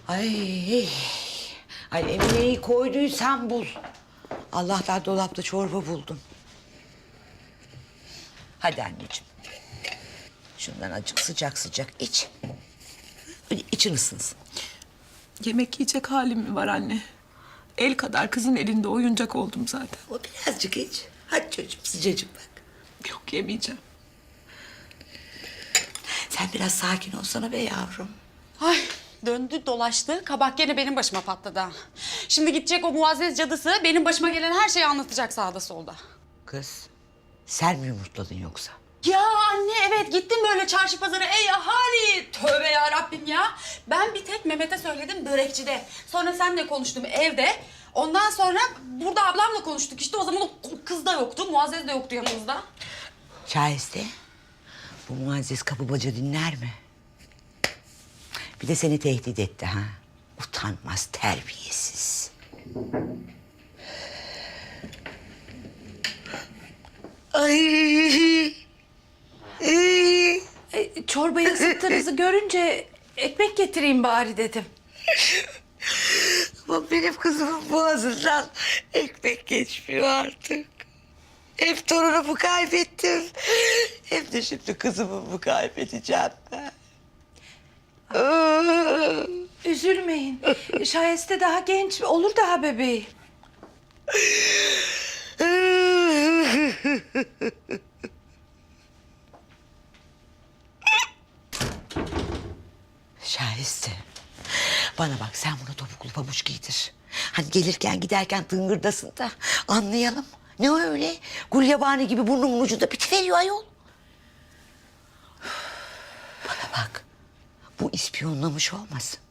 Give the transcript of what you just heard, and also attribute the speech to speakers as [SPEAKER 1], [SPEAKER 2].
[SPEAKER 1] Ay, ay Emine'yi koyduysan bul. Allah'tan dolapta çorba buldum. Hadi anneciğim. Şundan acık sıcak sıcak iç. Böyle için ısınsın.
[SPEAKER 2] Yemek yiyecek halim mi var anne? El kadar kızın elinde oyuncak oldum zaten.
[SPEAKER 1] O birazcık iç. Hadi çocuğum sıcacık bak.
[SPEAKER 2] Yok, yemeyeceğim.
[SPEAKER 1] Sen biraz sakin olsana be yavrum.
[SPEAKER 3] Ay döndü dolaştı. Kabak gene benim başıma patladı ha. Şimdi gidecek o muazzez cadısı benim başıma gelen her şeyi anlatacak sağda solda.
[SPEAKER 1] Kız sen mi yumurtladın yoksa?
[SPEAKER 3] Ya anne evet gittim böyle çarşı pazara ey ahali. Tövbe ya Rabbim ya. Ben bir tek Mehmet'e söyledim börekçide. Sonra seninle konuştum evde. Ondan sonra burada ablamla konuştuk. İşte o zaman o kız da yoktu. Muazzez de yoktu yanımızda.
[SPEAKER 1] Şahiste bu muazzez kapı baca dinler mi? Bir de seni tehdit etti ha. Utanmaz terbiyesiz. Ay.
[SPEAKER 2] Çorbayı ısıttığınızı görünce ekmek getireyim bari dedim.
[SPEAKER 1] Bak benim kızımın boğazından ekmek geçmiyor artık. Hem torunumu kaybettim. Hem de şimdi kızımı kaybedeceğim ben.
[SPEAKER 2] Üzülmeyin. Şayeste daha genç, olur daha bebeği.
[SPEAKER 1] Şahiste. Bana bak sen buna topuklu pabuç giydir. Hani gelirken giderken tıngırdasın da anlayalım. Ne o öyle? Gulyabani gibi burnumun ucunda bitiveriyor ayol. Bana bak. Bu ispiyonlamış olmasın.